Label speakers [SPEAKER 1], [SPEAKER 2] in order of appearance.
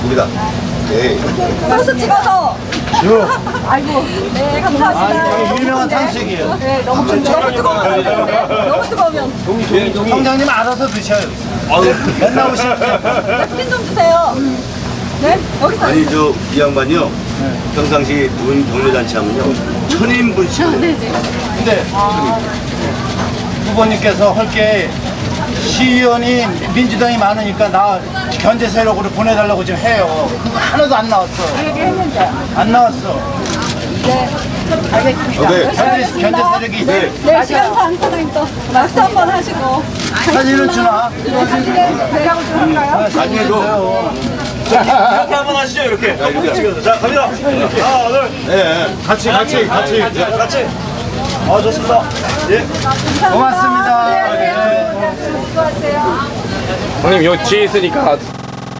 [SPEAKER 1] 고맙습니다. 네.
[SPEAKER 2] 소스 찍어서. 아이고. 네, 감사합니다.
[SPEAKER 3] 유명한 탕수육이에요.
[SPEAKER 2] 네, 너무 뜨거우면. 너무 뜨거우면.
[SPEAKER 3] 성장님 알아서 드셔요. 맨날 오시면
[SPEAKER 2] napkin 좀 주세요. 네, 여기서.
[SPEAKER 1] 아니 이 양반이요. 평상시 돈 경례잔치 하면요. 1000인분씩.
[SPEAKER 3] 근데 후보님께서 헐게 시의원이 민주당이 많으니까 나 견제 세력으로 보내달라고 지금 해요. 그거 하나도 안 나왔어.
[SPEAKER 2] 얘기했는데.
[SPEAKER 3] 안 나왔어.
[SPEAKER 2] 네, 알겠습니다.
[SPEAKER 1] 네.
[SPEAKER 3] 견제 세력이
[SPEAKER 2] 네, 시간상 사장님 또 말씀 한번 하시고.
[SPEAKER 3] 사진을 주나?
[SPEAKER 2] 사진에 대하고 좀 할까요?
[SPEAKER 1] 나중에 줘.
[SPEAKER 4] 이렇게 한번 하시죠, 이렇게.
[SPEAKER 1] 자, 이렇게.
[SPEAKER 4] 찍어서. 자, 갑니다. 하나, 둘.
[SPEAKER 1] 네. 같이.
[SPEAKER 4] 같이. 아, 좋습니다. 예.
[SPEAKER 3] 고맙습니다.
[SPEAKER 2] 네, 안녕하세요. 수고하세요.
[SPEAKER 5] 형님 여기 뒤에 있으니까